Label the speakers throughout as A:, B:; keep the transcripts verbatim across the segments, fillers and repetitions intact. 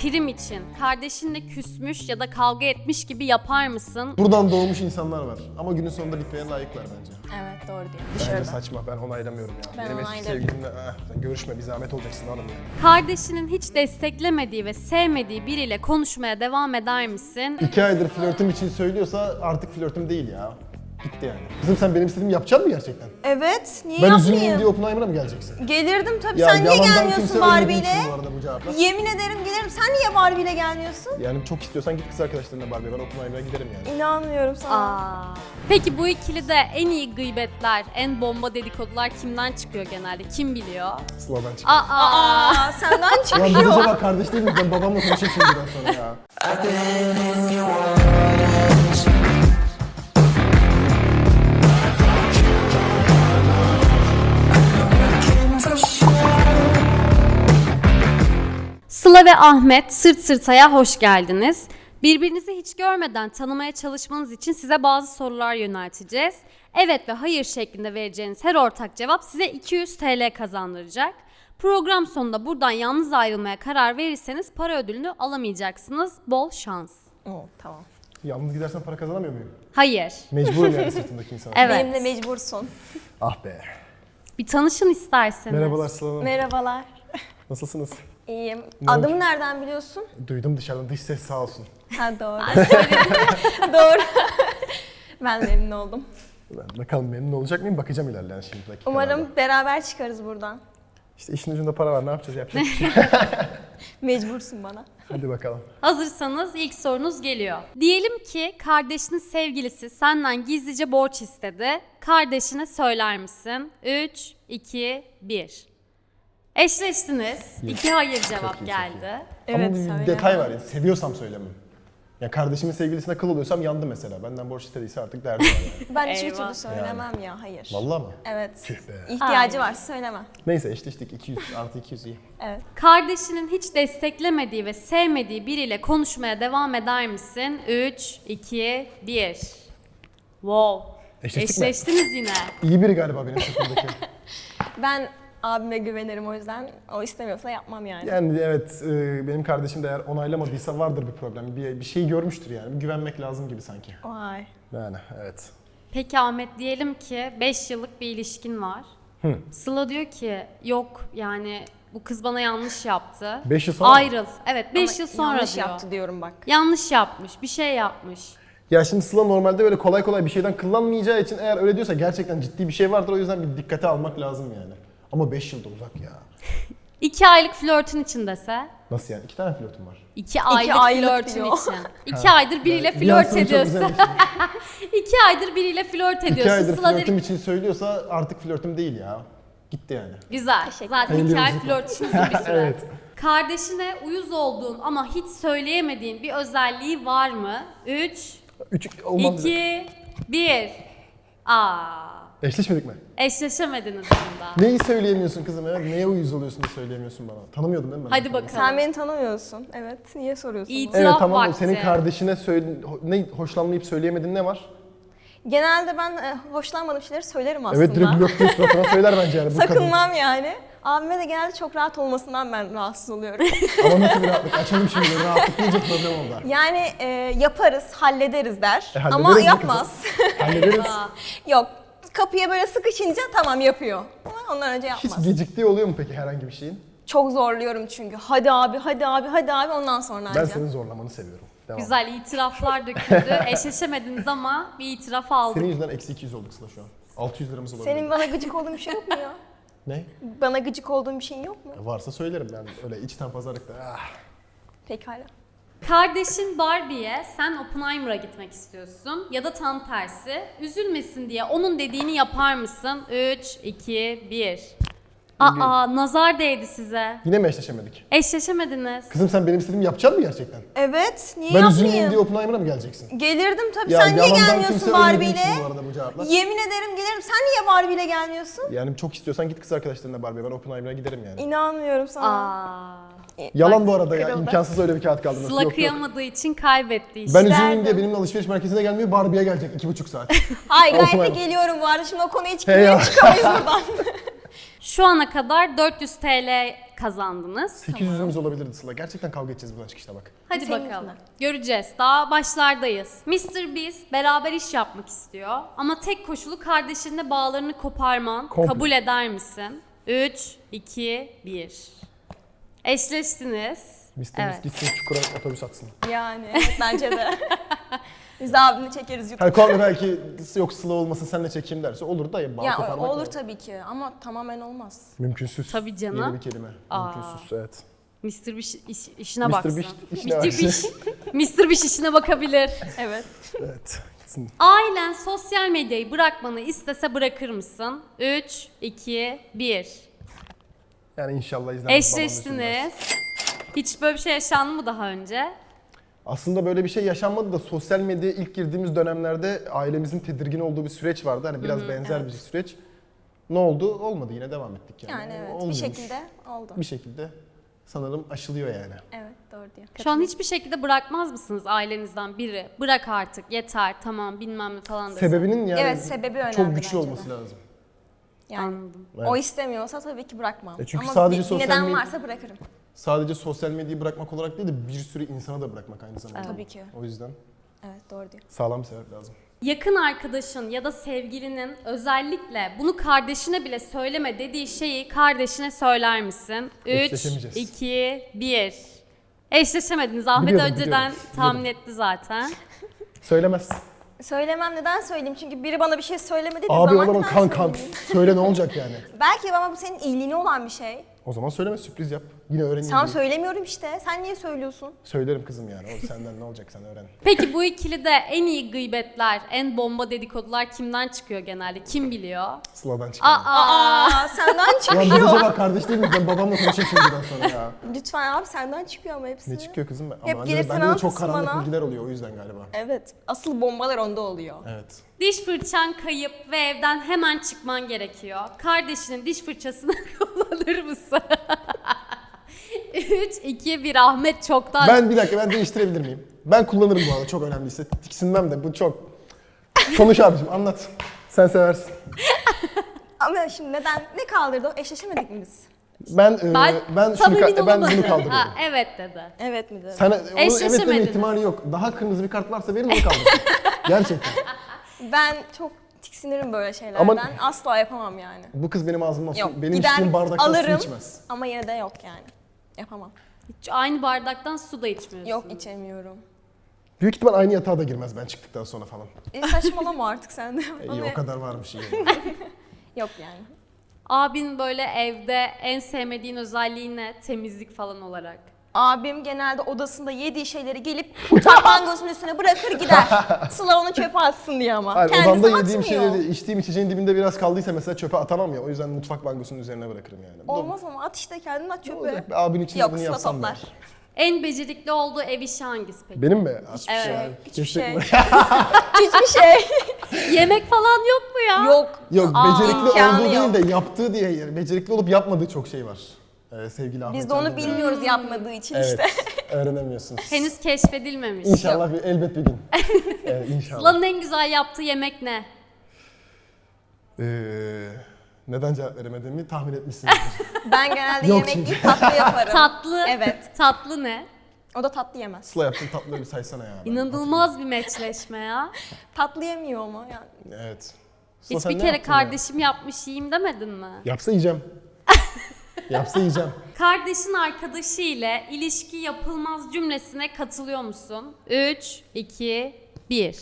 A: prim için kardeşinle küsmüş ya da kavga etmiş gibi yapar mısın?
B: Buradan doğmuş insanlar var ama günün sonunda bitmeye layıklar bence.
C: Evet doğru diyor.
B: Bence
C: Dışarıda.
B: saçma, ben onaylamıyorum ya.
C: Ben
B: Benim eski
C: onaylarım.
B: sevgilimle ah, sen görüşme, bir zahmet olacaksın hanım yani.
A: Kardeşinin hiç desteklemediği ve sevmediği biriyle konuşmaya devam eder misin?
B: İki aydır flörtüm için söylüyorsa artık flörtüm değil ya. Gitti yani. Kızım sen benim istediğimi yapacak mısın gerçekten?
C: Evet, niye
B: Ben
C: yapmayayım?
B: üzülmeyeyim diye Oppenheimer'a mı geleceksin?
C: Gelirdim tabii.
B: Ya
C: Sen niye
B: yalandan
C: gelmiyorsun
B: kimse
C: Barbie
B: ölmediği
C: ile?
B: için bu arada bu cevaplar.
C: Yemin ederim gelirim. Sen niye Barbie ile gelmiyorsun?
B: Yani çok istiyorsan git kız arkadaşlarına Barbie, ben Oppenheimer'a giderim yani.
C: İnanmıyorum sana.
A: Aa. Peki bu ikilide en iyi gıybetler, en bomba dedikodular kimden çıkıyor genelde? Kim biliyor?
B: Sıla'dan çıkıyor.
A: Aa.
C: Aa, senden
B: Ulan biz
C: çıkıyor.
B: acaba kardeş değil miyiz? Ben babamla konuşayım şimdiden sonra ya.
A: Sıla ve Ahmet Sırt Sırta'ya hoş geldiniz. Birbirinizi hiç görmeden tanımaya çalışmanız için size bazı sorular yönelteceğiz. Evet ve hayır şeklinde vereceğiniz her ortak cevap size iki yüz T L kazandıracak. Program sonunda buradan yalnız ayrılmaya karar verirseniz para ödülünü alamayacaksınız. Bol şans.
C: Oo, tamam.
B: Yalnız gidersen para kazanamıyor muyum?
A: Hayır.
B: Mecburum yani sırtındaki insan.
A: Evet.
C: Benimle mecbursun.
B: Ah be.
A: Bir tanışın isterseniz.
B: Merhabalar Sıla Hanım.
C: Merhabalar.
B: Nasılsınız?
C: İyiyim.
B: Ne
C: Adımı
B: oldu?
C: nereden biliyorsun?
B: Duydum dışarıdan, dış ses sağ olsun.
C: Ha doğru. Doğru. Ben de memnun oldum.
B: Ben bakalım memnun olacak mıyım? Bakacağım ilerleyen şimdi dakikalarda.
C: Umarım beraber çıkarız buradan.
B: İşte işin ucunda para var, ne yapacağız, yapacak bir şey.
C: Mecbursun bana.
B: Hadi bakalım.
A: Hazırsanız ilk sorunuz geliyor. Diyelim ki kardeşinin sevgilisi senden gizlice borç istedi. Kardeşine söyler misin? üç, iki, bir. Eşleştiniz. İki hayır cevap
B: iyi,
A: geldi.
C: Evet,
B: Ama bir
C: söyle.
B: detay var ya, seviyorsam söylemem. Ya kardeşimin sevgilisine kıl oluyorsam yandı mesela. Benden borç istediyse artık derdi var yani.
C: Ben hiçbir
A: Eyvah.
C: türlü söylemem ya, hayır.
B: Vallahi mı?
C: Evet.
B: Tüh be.
C: İhtiyacı
A: Aynen.
C: var, söylemem.
B: Neyse eşleştik, iki yüz artı iki yüz iyi.
C: Evet.
A: Kardeşinin hiç desteklemediği ve sevmediği biriyle konuşmaya devam eder misin? üç, iki, bir. Wow.
B: Eşleştik mi?
A: Eşleştiniz yine.
B: İyi biri galiba benim sırtımdaki.
C: Ben abime güvenirim, o yüzden o istemiyorsa yapmam yani.
B: Yani evet, e, benim kardeşim de eğer onaylamadıysa vardır bir problem. Bir, bir şey görmüştür yani. Bir güvenmek lazım gibi sanki.
C: Vay.
B: Yani evet.
A: Peki Ahmet, diyelim ki beş yıllık bir ilişkin var.
B: Hı.
A: Sıla diyor ki yok yani bu kız bana yanlış yaptı.
B: Beş yıl sonra mı?
A: Ayrıl. Evet beş
C: Ama
A: yıl sonra
C: yanlış
A: diyor.
C: yaptı diyorum bak.
A: Yanlış yapmış, bir şey yapmış.
B: Ya şimdi Sıla normalde böyle kolay kolay bir şeyden kıllanmayacağı için eğer öyle diyorsa gerçekten ciddi bir şey vardır. O yüzden bir dikkate almak lazım yani. Ama beş yılda uzak ya.
A: İki aylık flörtün için dese.
B: Nasıl yani? İki tane flörtüm var.
A: İki aylık,
C: aylık
A: flörtün
C: diyor.
A: için. İki aydır biriyle
B: Bir an
A: flört
B: sonra çok
A: ediyorsun.
B: güzelmiş.
A: İki aydır biriyle flört ediyorsun.
B: İki aydır
A: Sıla
B: flörtüm
A: dedi-
B: için söylüyorsa artık flörtüm değil ya. Gitti yani.
A: Güzel. Zaten
B: Hayırlı
A: iki ay
B: yolculuk.
A: flört için uzun bir süre.
B: Evet.
A: Kardeşine uyuz olduğun ama hiç söyleyemediğin bir özelliği var mı? Üç,
B: Üç olmam bize.
A: iki, bir. Aa.
B: Eşleşmedik mi?
A: Eşleşemediniz bunda.
B: Neyi söyleyemiyorsun kızım ya? Neye uyuz oluyorsun da söyleyemiyorsun bana? Tanımıyordun değil mi? ben?
A: Hadi bakalım.
C: Sen beni tanımıyorsun. Evet. Niye soruyorsun?
A: İyi.
C: bunu?
B: Evet
A: İtiraf
B: tamam da
A: vakti.
B: senin kardeşine söyle, ho- ne hoşlanmayıp söyleyemedin ne var?
C: Genelde ben e, hoşlanmadığım şeyleri söylerim aslında.
B: Evet direkt blok diye suratına söyler bence yani bu kadın.
C: Sakınmam yani. Abime de genelde çok rahat olmasından ben rahatsız oluyorum.
B: Ama nasıl bir rahatlık? Açalım şimdi rahatlık deyince problem oldu.
C: Yani e, yaparız, hallederiz der.
B: E, hallederiz
C: Ama
B: mi
C: yapmaz.
B: Hallederiz.
C: Yok. Kapıya böyle sıkışınca tamam yapıyor. Ama ondan önce
B: Hiç
C: yapmaz.
B: geciktiği oluyor mu peki herhangi bir şeyin?
C: Çok zorluyorum çünkü. Hadi abi, hadi abi, hadi abi ondan sonra
B: Ben
C: anca.
B: senin zorlamanı seviyorum. Devam.
A: Güzel itiraflar döküldü. Eşleşemediniz ama bir itiraf aldık.
B: Senin yüzünden eksi iki yüz olduk Sıla şu an. altı yüz liramız olabilir.
C: Senin bana gıcık olduğun bir şey yok mu ya?
B: Ne?
C: Bana gıcık olduğun bir şeyin yok mu?
B: Ya varsa söylerim ben öyle içten pazarlıkta. Ah.
C: Pekala.
A: Kardeşin Barbie'ye sen Oppenheimer'a gitmek istiyorsun ya da tam tersi. Üzülmesin diye onun dediğini yapar mısın? üç, iki, bir. Aa, nazar değdi size.
B: Yine mi eşleşemedik?
A: Eşleşemediniz.
B: Kızım sen benim istediğimi yapacak mısın gerçekten?
C: Evet, niye
B: Ben üzülmeyeyim
C: yapmayayım?
B: diye Oppenheimer'a mı geleceksin?
C: Gelirdim tabii.
B: Ya
C: Sen niye
B: yalandan
C: gelmiyorsun
B: kimse
C: Barbie
B: ölmediği
C: ile?
B: için bu arada bu cevaplar.
C: Yemin ederim gelirim. Sen niye Barbie ile gelmiyorsun?
B: Yani çok istiyorsan git kız arkadaşlarına Barbie, ben Oppenheimer'a giderim yani.
C: İnanmıyorum sana.
A: Aa,
B: Yalan bu arada ya,
C: kırıldı.
B: imkansız öyle bir kağıt kaldırması.
A: Sıla
B: Yok yok.
A: kıyamadığı için kaybetti işte.
B: Ben üzülmeyeyim diye
C: Derdim.
B: benimle alışveriş merkezine gelmiyor, Barbie'ye gelecek iki buçuk saat.
C: Ay gayet de
B: Oppenheimer.
C: geliyorum bu arada. Şimdi o konuya hiç
B: Hey ya.
C: çıkamayız buradan.
A: Şu ana kadar dört yüz T L kazandınız.
B: sekiz yüzümüz olabilirdi Sıla. Gerçekten kavga edeceğiz buradan çıkışta bak.
A: Hadi
C: Senin
A: bakalım.
C: yüzünden.
A: Göreceğiz. Daha başlardayız. mister Beast beraber iş yapmak istiyor. Ama tek koşulu kardeşinle bağlarını koparman.
B: Komple.
A: Kabul eder misin? üç, iki, bir. Eşleştiniz.
B: mister
A: Evet.
B: Beast gitsin çukura otobüs atsın.
C: Yani evet, bence de. Biz de abimle çekeriz YouTube.
B: Hani konu belki yok Sıla olmasın senle çekeyim derse olur da ya bağ
C: Ya
B: koparmak
C: olur
B: lazım.
C: tabii ki ama tamamen olmaz.
B: Mümkünsüz.
A: Tabii canım.
B: Yeni bir kelime.
A: Aa.
B: Mümkünsüz evet.
A: mister Beast iş- işine
B: mister
A: baksın.
B: Beast işine
A: mister
B: baksın.
A: Beast, mister Beast işine bakabilir.
C: Evet.
B: Evet. Gitsin.
A: Ailen sosyal medyayı bırakmanı istese bırakır mısın? üç, iki, bir.
B: Yani inşallah izlemez. babam da üzülmez.
A: Eşleştiniz. Hiç böyle bir şey yaşandı mı daha önce?
B: Aslında böyle bir şey yaşanmadı da sosyal medyaya ilk girdiğimiz dönemlerde ailemizin tedirgin olduğu bir süreç vardı. Hani biraz benzer bir süreç. Ne oldu? Olmadı. Yine devam ettik yani.
C: Yani evet
B: Olmuyormuş.
C: bir şekilde oldu.
B: Bir şekilde sanırım aşılıyor yani.
C: Evet doğru diyor.
A: Şu an hiçbir şekilde bırakmaz mısınız ailenizden biri? Bırak artık yeter tamam bilmem ne falan dese.
B: Sebebinin yani
C: Evet, sebebi önemli
B: çok güçlü
C: bence
B: olması
C: de.
B: lazım.
C: Yani
A: Anladım.
B: Evet.
C: o istemiyorsa tabii ki bırakmam.
B: E çünkü
C: ama
B: sadece
C: bir
B: sosyal
C: neden
B: medya-
C: varsa bırakırım.
B: Sadece sosyal medyayı bırakmak olarak değil de bir sürü insana da bırakmak aynı zamanda.
C: Tabii ki.
B: O yüzden
C: Evet doğru diyor.
B: sağlam bir sebep lazım.
A: Yakın arkadaşın ya da sevgilinin özellikle bunu kardeşine bile söyleme dediği şeyi kardeşine söyler misin? üç,
B: Eşleşemeyeceğiz.
A: iki, bir. Eşleşemediniz. Ahmet
B: Biliyordum,
A: önceden
B: biliyordum,
A: tahmin etti zaten.
B: Söylemez.
C: Söylemem, neden söyleyeyim? Çünkü biri bana bir şey söylemedi
B: Abi o
C: zaman
B: zaman
C: neden
B: kan kan.
C: söyleyeyim?
B: Söyle ne olacak yani?
C: Belki ama bu senin iyiliğine olan bir şey.
B: O zaman söyleme sürpriz yap. Yine öğreneyim.
C: Tamam
B: diye.
C: söylemiyorum işte. Sen niye söylüyorsun?
B: Söylerim kızım yani. O senden ne olacak sen öğren.
A: Peki bu ikilide en iyi gıybetler, en bomba dedikodular kimden çıkıyor genelde? Kim biliyor?
B: Sıla'dan çıkıyor.
A: Aa,
C: Aa senden
B: Ulan
C: çıkıyor.
B: biz acaba kardeş değil miyiz? Ben babamla konuşayım şimdiden sonra ya.
C: Lütfen abi senden çıkıyor ama hepsi.
B: Ne çıkıyor kızım? Ama
C: Hep
B: bende,
C: gelip
B: de-
C: sen
B: bende de çok
C: anlatırsın
B: karanlık
C: bana.
B: bilgiler oluyor o yüzden galiba.
C: Evet. Asıl bombalar onda oluyor.
B: Evet.
A: diş fırçan kayıp ve evden hemen çıkman gerekiyor. Kardeşinin diş fırçasını kullanır mısın? üç, iki, bir. Ahmet çoktan...
B: Ben bir dakika ben değiştirebilir miyim? Ben kullanırım bu arada çok önemliyse. Tiksinmem de bu çok. Konuş abicim anlat. Sen seversin.
C: Ama şimdi neden? Ne kaldırdı o? Eşleşemedik mi biz?
B: Ben e,
A: Ben,
B: ben,
A: tam
B: şunu
A: emin
B: ka- ben
A: olamadım.
B: bunu kaldırıyorum.
A: Ha, evet dedi.
C: Evet mi dedi?
B: Sen onun evet deme
A: Eşleşemediniz.
B: ihtimali yok. Daha kırmızı bir kart varsa verin onu kaldır. Gerçekten.
C: Ben çok tiksinirim böyle şeylerden.
B: Ama-
C: Asla yapamam yani.
B: Bu kız benim ağzımdan su,
C: Yok.
B: benim
C: gider
B: içtiğim bardaktan
C: alırım
B: su içmez.
C: ama yine de yok yani. Yapamam.
A: Hiç aynı bardaktan su da içmiyorsun.
C: Yok içemiyorum.
B: Büyük ihtimal aynı yatağa da girmez ben çıktıktan sonra falan.
C: E, saçmalama artık sen de.
B: E,
C: Ama
B: iyi o kadar varmış iyi.
C: Yok yani.
A: Abin böyle evde en sevmediğin özelliği ne? Temizlik falan olarak.
C: Abim genelde odasında yediği şeyleri gelip mutfak bangosunun üstüne bırakır gider. Sıla onu çöpe atsın diye ama.
B: Hayır,
C: Kendisi
B: odamda yediğim
C: atmıyor.
B: şeyleri, içtiğim içeceğin dibinde biraz kaldıysa mesela çöpe atamam ya. O yüzden mutfak bangosunun üzerine bırakırım yani. Bu da-
C: Olmaz ama at işte kendin at
B: Ne
C: çöpe.
B: olacak be? Abin için de
C: Yok
B: bunu
C: Sıla
B: yapsam
C: toplar.
B: ben.
A: En becerikli olduğu ev işi hangisi peki?
B: Benim mi?
C: Hiçbir
A: Evet.
C: şey. Hiçbir
B: Keşke-
C: şey. Hiçbir şey.
A: Yemek falan yok mu ya?
C: Yok.
B: Yok
A: Aa,
B: becerikli
C: imkanı
B: olduğu
C: yok.
B: değil de yaptığı diye yani becerikli olup yapmadığı çok şey var. Ee, sevgili Ahmet.
C: Biz de onu
B: Erdoğan.
C: bilmiyoruz yapmadığı için
B: Evet.
C: işte.
B: Öğrenemiyorsunuz.
A: Henüz keşfedilmemiş.
B: İnşallah bir, elbet bir gün. evet, inşallah.
A: Sıla'nın en güzel yaptığı yemek ne?
B: Ee, neden cevap veremediğimi tahmin etmişsinizdir.
C: Ben genelde
B: Yok
C: yemek
B: şimdi.
C: değil tatlı yaparım.
A: Tatlı.
C: Evet.
A: Tatlı ne?
C: O da tatlı yemez.
B: Sıla yaptığın tatlıları bir saysana ya. Ben
A: İnanılmaz bir meçleşme ya.
C: Tatlı yemiyor ama yani.
B: hatırlıyorum. Evet. Sıla, sen
A: Hiçbir
B: ne
A: kere
B: yaptın ya?
A: kardeşim yapmış yiyeyim demedin mi?
B: Yapsa yiyeceğim. Yapsa yiyeceğim.
A: Kardeşin arkadaşı ile ilişki yapılmaz cümlesine katılıyor musun? üç, iki, bir.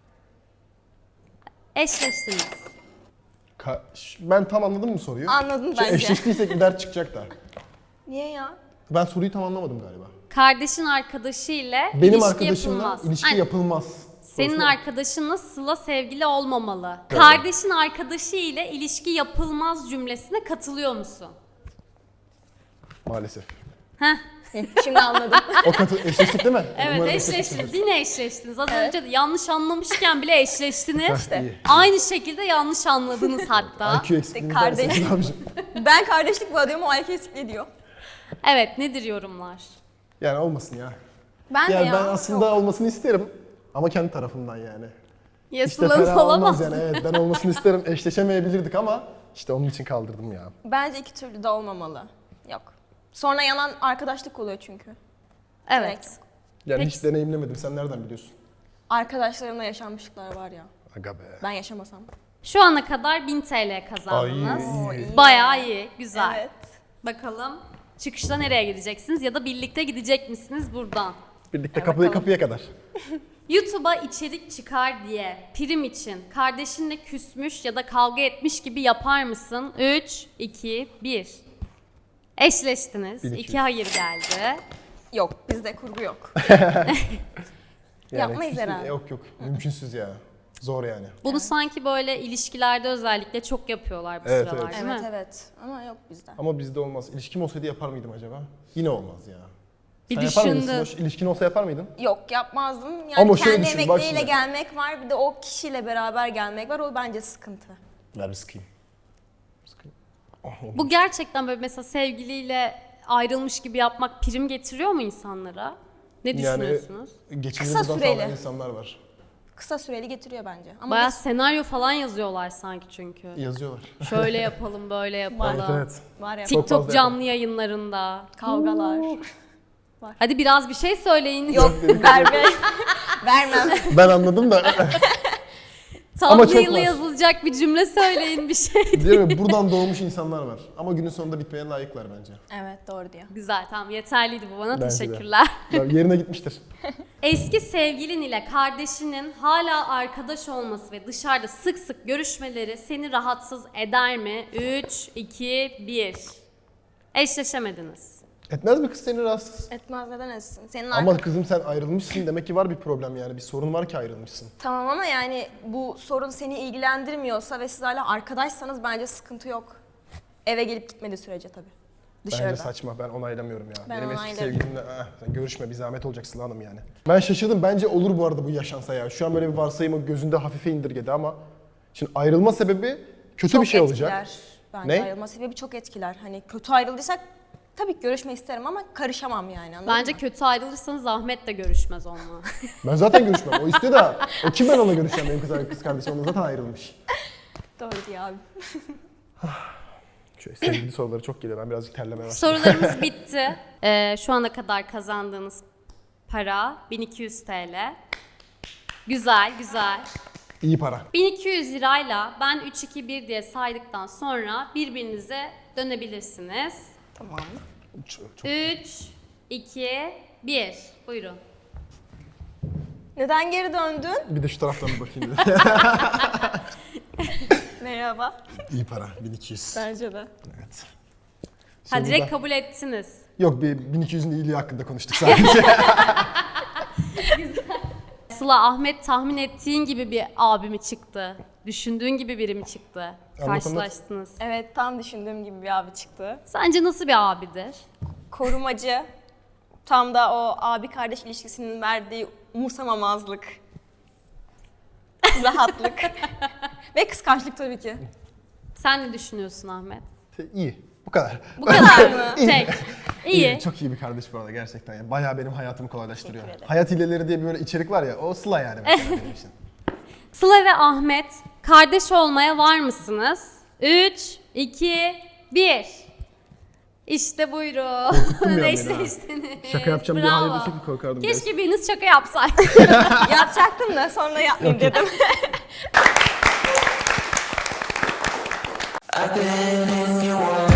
A: Eşleştiniz.
B: Ka- Ş- ben tam anladım mı soruyu?
C: Anladın
B: Şu
C: bence.
B: eşleştiysek bir dert çıkacak da.
C: Niye ya?
B: Ben soruyu tam anlamadım galiba.
A: Kardeşin arkadaşı ile
B: Benim
A: ilişki
B: arkadaşımla
A: yapılmaz.
B: ilişki
A: Aynen.
B: yapılmaz.
A: Senin
B: Sorusuna-
A: arkadaşınla Sıla sevgili olmamalı.
B: Evet.
A: Kardeşin arkadaşı ile ilişki yapılmaz cümlesine katılıyor musun?
B: Maalesef.
A: Heh,
C: Şimdi anladım.
B: O katı eşleştik değil mi?
A: evet
B: Umarım
A: eşleştiniz. Yine eşleştiniz. Az
C: Evet.
A: önce de yanlış anlamışken bile eşleştiniz.
B: İşte. İyi.
A: Aynı şekilde yanlış anladınız hatta.
B: I Q eksikliğini
C: kardeş.
B: derseniz abicim.
C: Ben kardeşlik bu diyorum o I Q eksikliği diyor.
A: Evet nedir yorumlar?
B: Yani olmasın ya.
C: Ben de
B: Yani
C: ya.
B: ben aslında
C: Yok.
B: olmasını isterim. Ama kendi tarafımdan yani.
A: Ya
B: İşte
A: Sıla'nın
B: fena olmaz
A: olamaz.
B: yani. Evet ben olmasını isterim. Eşleşemeyebilirdik ama işte onun için kaldırdım ya.
C: Bence iki türlü de olmamalı. Yok. Sonra yanan arkadaşlık oluyor çünkü.
A: Evet.
B: Yani
A: Peki.
B: hiç deneyimlemedim. Sen nereden biliyorsun?
C: Arkadaşlarımla yaşanmışlıklar var ya.
B: Aga be.
C: Ben yaşamasam.
A: Şu ana kadar bin T L kazandınız.
B: Ay,
C: iyi.
A: Bayağı iyi, güzel.
C: Evet.
A: Bakalım çıkışta nereye gideceksiniz ya da birlikte gidecek misiniz buradan?
B: Birlikte
C: Hadi
B: kapıya
C: bakalım.
B: kapıya kadar.
A: YouTube'a içerik çıkar diye prim için kardeşinle küsmüş ya da kavga etmiş gibi yapar mısın? üç, iki, bir. Eşleştiniz.
B: bin iki yüz.
A: iki hayır geldi.
C: Yok, bizde kurgu yok. Yapmayız
B: küs-
C: herhalde.
B: Yok yok. Mümkünsüz ya. Zor yani.
A: Bunu sanki böyle ilişkilerde özellikle çok yapıyorlar bu
B: Evet,
A: sıralar
B: evet.
A: değil
C: Evet
A: mi?
C: evet ama yok bizde.
B: Ama bizde olmaz. İlişkim olsaydı yapar mıydım acaba? Yine olmaz ya.
A: Bir
B: Sen yapar mıydın
A: düşündüm.
B: Simoş? İlişkin olsa yapar mıydın?
C: Yok yapmazdım. Yani
B: Ama şöyle
C: kendi
B: düşün, bak
C: emekleriyle
B: şimdi.
C: gelmek var bir de o kişiyle beraber gelmek var o bence sıkıntı.
B: Ver bir sıkayım. Sıkayım. Oh, oldu.
A: Bu gerçekten böyle mesela sevgiliyle ayrılmış gibi yapmak prim getiriyor mu insanlara? Ne düşünüyorsunuz?
B: Geçimini
C: Kısa
B: buradan
C: süreli.
B: sağlayan insanlar var.
C: Kısa süreli getiriyor bence. Ama
A: Bayağı
C: biz
A: senaryo falan yazıyorlar sanki çünkü.
B: Yazıyorlar.
A: Şöyle yapalım, böyle yapalım.
B: Evet evet.
C: var ya
B: Çok
A: TikTok
B: fazla
A: canlı yayınlarında.
C: kavgalar.
A: Hadi biraz bir şey söyleyin.
C: Yok verme. Vermem.
B: Ben anladım da Ama çok
A: Thumbnail'e
B: var.
A: yazılacak bir cümle söyleyin bir şey.
B: diyorum ya, buradan doğmuş insanlar var. Ama günün sonunda bitmeye layıklar bence.
C: Evet doğru diyor.
A: Güzel, tamam, yeterliydi bu bana.
B: Bence de.
A: Teşekkürler.
B: Ya, yerine gitmiştir.
A: Eski sevgilin ile kardeşinin hala arkadaş olması ve dışarıda sık sık görüşmeleri seni rahatsız eder mi? üç, iki, bir. Eşleşemediniz.
B: Etmez mi kız seni rahatsız?
C: Etmez neden etsin? Senin
B: Ama
C: arka-
B: kızım sen ayrılmışsın demek ki var bir problem yani. Bir sorun var ki ayrılmışsın.
C: Tamam ama yani bu sorun seni ilgilendirmiyorsa ve siz hala arkadaşsanız bence sıkıntı yok. Eve gelip gitmediği sürece tabii. Dışarıda.
B: Bence saçma, ben onaylamıyorum ya.
C: Ben
B: Benim eski
C: onaylarım.
B: sevgilimle "Ah, sen görüşme, bir zahmet olacak Sıla Hanım yani. Ben şaşırdım, bence olur bu arada bu yaşansa ya. Şu an böyle bir varsayımı gözünde hafife indirgedi ama şimdi ayrılma sebebi kötü
C: Çok
B: bir şey
C: etkiler.
B: olacak.
C: Bence
B: Ne?
C: ayrılma sebebi çok etkiler. Hani kötü ayrıldıysak tabii ki görüşmek isterim ama karışamam yani anladın
A: Bence
C: mı?
A: kötü ayrılırsanız Ahmet de görüşmez onunla.
B: Ben zaten görüşmem. O istiyor da o kim ben onunla görüşeceğim, benim kız, kız kardeşim onunla zaten ayrılmış.
C: Doğru diyor abi.
B: Şöyle sevgili soruları çok geliyor, ben birazcık terlemeye başladım.
A: Sorularımız bitti. Ee, şu ana kadar kazandığınız para bin iki yüz T L. Güzel, güzel.
B: İyi para.
A: bin iki yüz lirayla ben üç, iki, bir diye saydıktan sonra birbirinize dönebilirsiniz.
C: Tamam.
B: Çok, çok.
A: üç, iki, bir. Buyurun.
C: Neden geri döndün?
B: Bir de şu taraftan bir bakayım dedim.
C: Merhaba.
B: İyi para, bin iki yüz.
C: Bence de.
B: Evet.
A: Ha,
B: Sonunda-
A: direkt kabul ettiniz.
B: Yok, bir bin iki yüzün iyiliği hakkında konuştuk sadece.
A: Sıla, Ahmet tahmin ettiğin gibi bir abi mi çıktı? Düşündüğün gibi biri mi çıktı?
B: anlat.
A: Karşılaştınız.
C: Evet tam düşündüğüm gibi bir abi çıktı.
A: Sence nasıl bir abidir?
C: Korumacı. Tam da o abi kardeş ilişkisinin verdiği umursamamazlık. Rahatlık. Ve kıskançlık tabii ki.
A: Sen ne düşünüyorsun Ahmet?
B: İyi. Bu kadar.
A: Bu kadar mı? Tek. İyi.
B: Çok iyi bir kardeş bu arada gerçekten. Yani bayağı benim hayatımı kolaylaştırıyor.
C: Teşekkür ederim.
B: Hayat hileleri diye bir böyle içerik var ya, o Sıla yani mesela benim için.
A: Sıla ve Ahmet kardeş olmaya var mısınız? üç, iki, bir. İşte buyurun.
B: Korkuttun bir an beni ha.
A: Eşleştiniz.
B: Şaka yapacağım diye
A: Bravo.
B: hayır desek korkardım.
A: Keşke biriniz şaka yapsaydı.
C: Yapacaktım da sonra yapmayayım dedim.
D: I've been in your